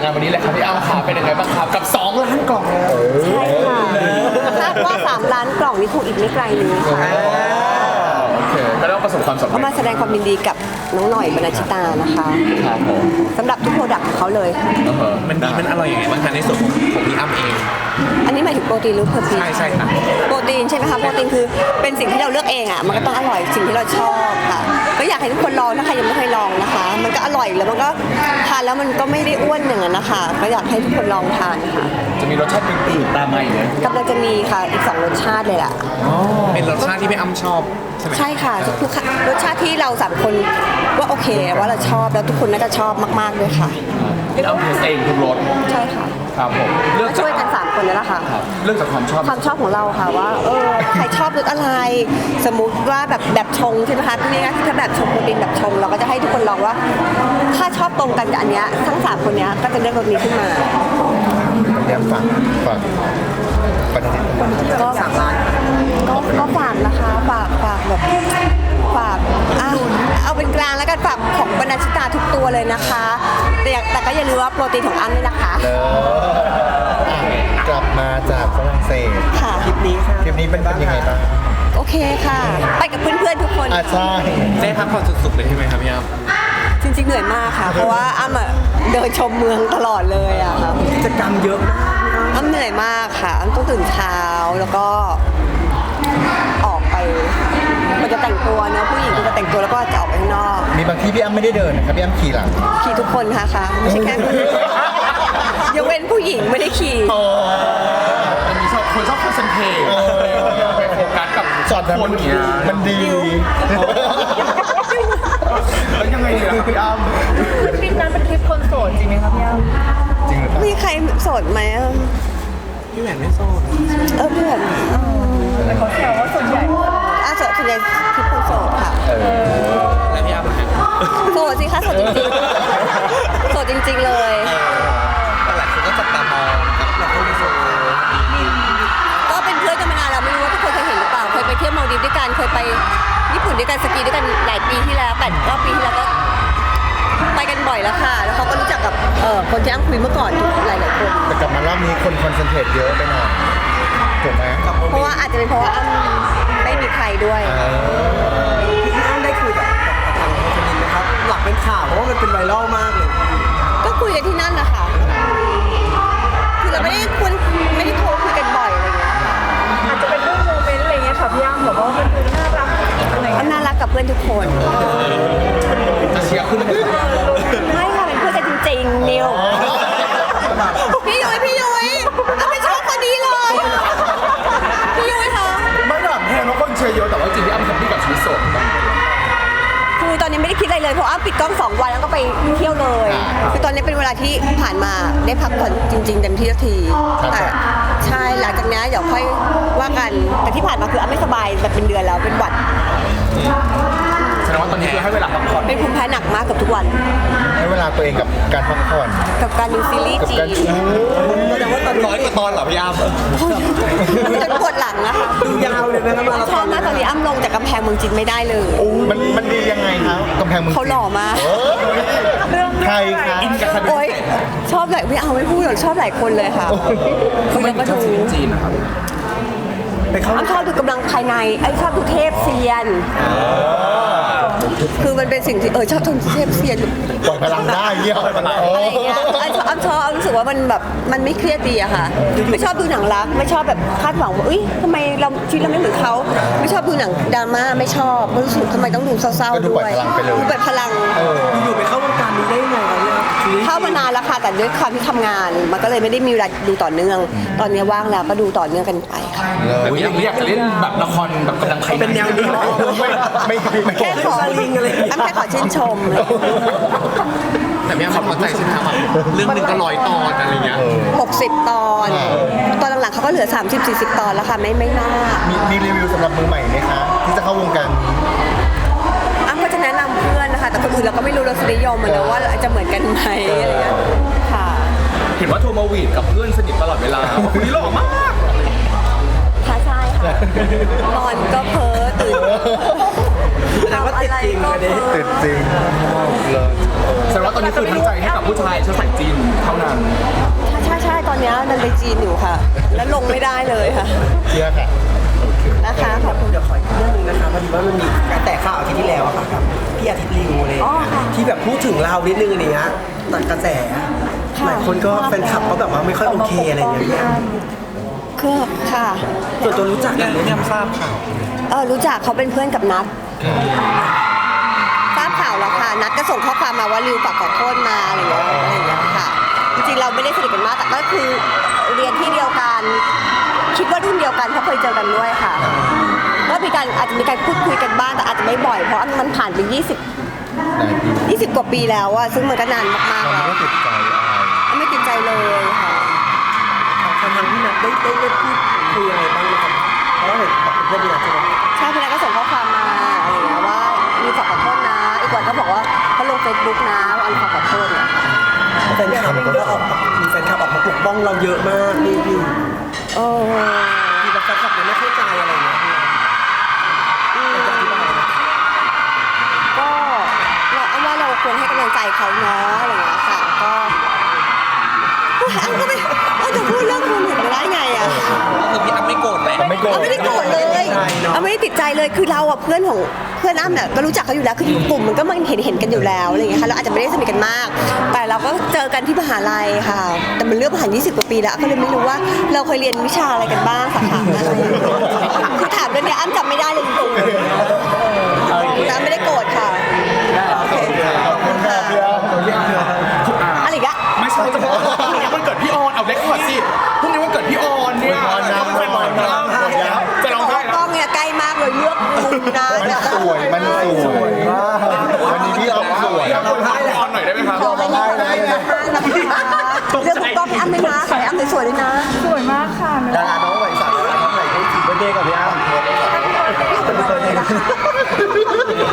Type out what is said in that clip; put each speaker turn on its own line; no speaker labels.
งานวันนี้เลยครับพี่อ้ำขาเป็นยังไงบ้างครับกับ2 ล้านกล่อง
ใช่ค่ะคาดว่า3 ล้านกล่องนี้คงอีกไม่ไกลนี้ค่ะ
โอเคก็ต้องประสบความสำ
ก็
เร็จ
มาแสดงความยินดีกับน้องหน่อยบรรณชิตานะคะ
ครับผม
สำหรับทุกโปรดักต์ของเขาเลย
มันดีมันอร่อยยังไงบ้างคะในส่วนของพี่อ้ำเอง
อันนี้หมายถึงโปรตีนหรือเพอร์ทีน
ใช่ค่ะ
โปรตีนใช่ไหมคะโปรตีนคือเป็นสิ่งที่เราเลือกเองอ่ะมันก็ต้องอร่อยสิ่งที่เราชอบค่ะก็อยากให้ทุกคนลองถ้าใครยังไม่เคยลองนะคะ มันก็อร่อยแล้วมันก็ทานแล้วมันก็ไม่ได้อ้วนอย่างนั้นนะคะก็อยากให้ทุกคนลองทานค่ะ
จะมีรสชาติอื่นๆตามมาอีกไหม
กำลังจะมีค่ะอีก2 รสชาติเลยล่ะ
เป็นรสชาติที่พี่อ้ำชอบใช่ไหม
ใช่ค่ะทุกรสชาติที่เรา3 คนว่าโอเคว่าเราชอบแล้วทุกคนน่าจะชอบมากๆด้วยค่ะ
พี่อ้ำเทสเองทุกรส
ใช่ค่ะ
ครับผมเลือก
ก็
จาก
ช่วยกัน3 คนนั่นแหละค่ะ
ครับเลือกจากความชอบ
ความชอบของเราค่ะว่าใครชอบรสอะไร สมมุติว่าแบบชงใช่ไหมคะนี่นะถ้าแบบชงโปรตีนแบบชงเราก็จะให้ทุกคนลองว่า ถ้าชอบตรงกันกับอันเนี้ยทั้ง3 คนเนี้ยก็จะเลือกรสนี้ขึ้นมา
เดี๋ยวฝากประเด็น
ก็3 ล้านก็ฝากนะคะฝากแบบฝากเอาเป็นกลางแล้วกันฝากของบรรณชิตาทุกตัวเลยนะคะแต่ก็อย่าลืมว่าโปรตีนของอันนี่นะคะ
กลับมาจากฝรั่งเศส
ค่ะ
ทริปนี้เป็นยังไงบ้าง
โอเคค่ะ ไปกับเพื่อนๆทุกคน
ใช่
ได้พักผ่อนสุดๆเลยใช่ไหมครับพี่อ้ำ
จริงๆเหนื่อยมากค่ะ เพราะว่าอ้ำอะเดินชมเมืองตลอดเลยอะค่ะ
กิจกรรมเยอะมาก
อ้ำเหนื่อยมากค่ะอ้ำต้องตื่นเช้าแล้วก็ออกไปมันจะแต่งตัวเนอะผู้หญิงก็จะแต่งตัวแล้วก็จะออกไปข้างนอก
มีบางที่พี่อ้ำไม่ได้เดินนะครับพี่อ้ำขี่หลัง
ขี่ทุกคนค่ะไม่ใช่แค่ยกเว้นผู้หญิงไม่ได้ขี่
มันมีคนชอบคอนเซนเทรตไปโฟกัสกับ
ช็อตนั้น
คนเนี้ย
มันดี
แล้วยังไงเนี่ยครับพี่อ้ำ
ทริปนั้นเป็นทริปคนโสดจริงไหมครับพี่อ้ำ
จริงหรือเปล่า
มีใครโสดไหมอะ
พี่แหวนไม่โซน
เพื่อน
แต่เขาแซวว่าส่วนใหญ่
ส่วนใหญ่คือคนโสดค่ะ
แล้วพี่อ้ำล่ะฮะ
โสดสิคะโสดจริงๆโสดจริง ๆเลย
แต่หลายคนก็จับตามองกับเราคนที่โซน
ก็เป็นเพื่อนกันมานานแล้วไม่รู้ว่าทุกคนเคยเห็นหรือเปล่าเคยไปเที่ยวมาลดีฟด้วยกันเคยไปญี่ปุ่นด้วยกันสกีด้วยกันหลายปีที่แล้ว8-9 ปีที่แล้วก็ไปกันบ่อยแล้วค่ะ แล้วเขาก็รู้จักกับคนที่อ้ำคุยเมื่อก่อนทุกหลายๆคน
แต่กลับมารอบนี้คนคอนเซนเทรตเยอะไปหน่อยถูกไหม
เพราะว่าอาจจะเป็นเพราะว่าอ้ำไม่มีใครด้วย
พี่อ้ำได้คุยกับทางคนนี้ไหมครับ หลักเป็นข่าวเพราะว่ามันเป็นไวรัลมากเลย
ก็คุยกันที่นั่นนะคะคือเราไม่ได้โทรคุยกันบ่อยอะไรอย่างเงี้ยค่ะ
อาจจะเป็นเรื่องโมเมนต์อะไรเงี้ยค่ะพี่อ้ำแบบว่ามันดูน่ารักอะไร
อ้ำ
เงี้ย
น่ารักกับเพื่อนทุกคน
จะเชียร์คุณ
ไม่ค่ะเป็นเพื่อนกันจริงๆนิวพี่ยุ้ยอ้ำไม่ชอบคนนี้เลยพี่ยุ้ยคะ
ไม่ถามแทนว่าคนเชียร์เยอะแต่ว่าจริงๆพี่อ้ำแฮปปี้กับชีวิตโสดบ้าง
คือตอนนี้ไม่ได้คิดอะไรเลยเพราะอ้ำปิดกล้อง2 วันแล้วก็ไปเที่ยวเลยคือตอนนี้เป็นเวลาที่ผ่านมาได้พักผ่อนจริงๆเต็มที่สักทีแต่ใช่หลังจากนี้เดี๋ยวค่อยว่ากันแต่ที่ผ่านมาคืออ้ำไม่สบายแบบเป็นเดือนแล้วเป็นหวัด
แสดงว่าตอนนี้คือให้เวลาพักผ่อน
เป็นภูมิแพ้หนักมากกับทุกวัน
ให้เวลาตัวเองกับการพักผ่อน
กับการดูซีรีส์
กับ
จี
การ
แสดงว่าตอนนี้
100 กว่าตอนเหรอพี่อ้ำ
จนปวดหลังนะคะ
ดูยาวเลยนะครับมารา
ช
ธ
อ
อบ น
มากตอนนี้อ้ำลงจากกำแพงเมืองจีนไม่ได้เลย
มันดียังไงครับกำแพงเมือง
เขาหล่อมาก
ใครคะ
อินกับใครเป็น
โอ๊ย
พิเศษ
ชอบหลายไม่เอาไม่พูดหรอกชอบหลายคนเลยค่ะคือเราก็ดู
ซีรีส์จีนนะครับ
ไปเข้า
อ้ำชอบดูกำลังภายในชอบดูเทพเซียน คือมันเป็นสิ่งที่ชอบดูเทพเซียน
ปล่อยพลังได้เยี่ยม
อะไรอย่างเงี้ยอ้ำชอบอ้ำรู้สึกว่ามันแบบมันไม่เครียดดีอะค่ะ ไม่ชอบดูหนังรัก ไม่ชอบแบบคาดหวังว่าทำไมเราชีวิตเราไม่เหมือนเขา ไม่ชอบดูหนังดราม่าไม่ชอบรู้สึกทำไมต้องดูเศร้า
ก็
ๆ
ดู
ด้
ป
ว
ล่อย
ย
พลังไปเลย
ดูเปิดพลัง
อยู่ไปเข้าวงการนี้ได้ยังไงครับเนี่ยชีวิต
เข้ามานานแล้วค่ะแต่ด้วยความที่ทำงาน มันก็เลยไม่ได้มีเวลาดูต่อเนื่อง ตอนนี้ว่างแล้วก็ดูต่อเนื่องกันไปค่ะ
แต่พี่ยังอยากจะเล่นแบบละครแบบกำลังภายใน
เป็นแนวนี้เหรอ
ไม่
แค่ขอ
สลิงอะไรอย่างเงี้ย
อ้ำแค่ขอชื่นชม
แต่พี่อ้ำพอใจใช่ไหมครับเรื่องหนึ่งก็100 ตอนอะไรเงี้ย
60 ตอน ตอนหลังๆเขาก็เหลือ 30-40 ตอนแล้วค่ะไม่มาก
มีรีวิวสำหรับมือใหม่ไหมคะที่จะเข้าวงการนี้
อ้ำก็จะแนะนำเพื่อนนะคะ แต่คนอื่นเราก็ไม่รู้รสนิยมมันนะว่าจะเหมือนกันไหมอะไรเงี้ยค่ะ
เห็นว่าโทรมาหวีดกับเพื่อนสนิทตลอดเวลาว่าคนนี้หล่อมาก
ค่ะใช่ค่ะ นอนก็เพ้อตื่น
แต่ว่าติดจริง
ทำ
อันนี้
เพ้อ
ติดจริงเลย
แสดงว่าตอนนี้คือทั้งใจให้กับผู้ชายเชื้อสายจีนเท่านั้น
ไปจีนอยู่ค่ะ แล้วลงไม่ได้เลยค่ะ
เชื่อค่ะ
นะคะขอบคุณ
เดี๋ยวขออีกเรื่องหนึงนะคะพอดีว่ามันมีการแตกข่าวอาทิตย์ที่แล้วอะค่ะกับพี่อาทิตย์ลิวอะไรอย่าง
อ๋อ
เงี้ย
ค่ะ
ที่แบบพูดถึงเรานิดนึงอะไรเงี้ยตัดกระแสหลายคนก็แฟนคลับก็แบบว่าไม่ค่อยโอเคอะไรอย่างเงี้ยพี่อ้ำ
คือค่ะ
ส่วนตัวรู้จักกันไหมเนี่ยทราบข่าว
รู้จักเขาเป็นเพื่อนกับนัททราบข่าวแล้วค่ะ นัทก็ส่งข้อความมาว่าริวฝากขอโทษมาอะไรอย่างเงี้ยค่ะ จริงๆเราไม่ได้สนิทกันมากแต่ก็คือเรียนที่เดียวกัน คิดว่ารุ่นเดียวกันเพราะเคยเจอกันด้วยค่ะ ก็มีการอาจจะมีการพูดคุยกันบ้างแต่อาจจะไม่บ่อยเพราะมันผ่านไป20 กว่าปีแล้วอะซึ่งมันก็นานมากๆ
เรา
แล้ว
ไม่ได้ติดใจอะไร
ไม่ติดใจเลยค่ะ
ทางพี่นัทได้พูดคุยอะไรบ้างไหมครับเพราะว่าเห็นเพื่อนพี่นัทใช่ไหม
ใช่พี่นัทก็ส่งข้อความมาอะไรอย่างเงี้ยว่ามีฝากขอโทษนะ อีกวันก็บอกว่าเขาลงเฟซบุ๊กนะว่าอันฝากขอโทษเนี่ยค่ะ
แฟนคลับก็ออกมีแฟนคลับออกมาปกป้องเราเยอะมากพี่
โอ้
ที่แบบแฟนคลับยังไม่เข้าใจอะไรอย่างเงี้ยพี่อยากจะอธิบายไหม
ก็เราเอาว่าเราควรให้กำลังใจเขาเนาะอะไรอย่างเงี้ยค่ะก็อ้ำก็ไม่จะพูดเรื่องคุณเห็นไม่ได้ไงอะ
คือพี่อ้ำไม่โกรธเลย
ไม่โกรธ
อ้ำไม่ได้โกรธเลยอ้ำไม่ได้ติดใจเลยคือเราอะเพื่อนของเพื่อนอ้ำเนี่ยก็รู้จักเขาอยู่แล้วคือกลุ่มมันก็มันเห็นกันอยู่แล้วอะไรอย่างเงี้ยค่ะเราอาจจะไม่ได้สนิทกันมาก แต่เราก็เจอกันที่มหาลัยค่ะ แต่มันเรื่องผ่าน20 กว่าปีแล้วก็เลยไม่รู้ว่าเราเคยเรียนวิชาอะไรกันบ้างสาขาอะไรคือถามเรื่องนี้อ้ำจำไม่ได้เลยจริงๆอ้ำไม่ได้โกรธค่ะโอเค
ขอบคุณค่ะพี่อ้ำตัวเยี่ยมเลย
อะไรอีกอะ
ไม่ใช่จะบอกว่าพรุ่งนี้วันเกิดพี่ออนเอาเล็กกว่าสิพรุ่งนี้วันเกิดพี่ออนเนี่ย
อวยพรนะ
เขาเป็นแฟนบอลนะจะร้องไห้
ก
แล้
ล้
ว
องเนี่ยใกล้มากเลยเลือกมุมนะ
มันสวยมันสวยมากวันนี้พี่อ้ำสวย
พี่ออนหน่อยได้ไหมครับ
ขอไม่ได้เลยนะคะเรื่องกล้องพี่อ้ำไม่นะขอให้อ้ำสวยๆด้วยนะ
สวยมากค่ะ
ดาราน้องใหม่สั่งทำไหนได้ทีเบอร์เดย์กับพี่อ้ำ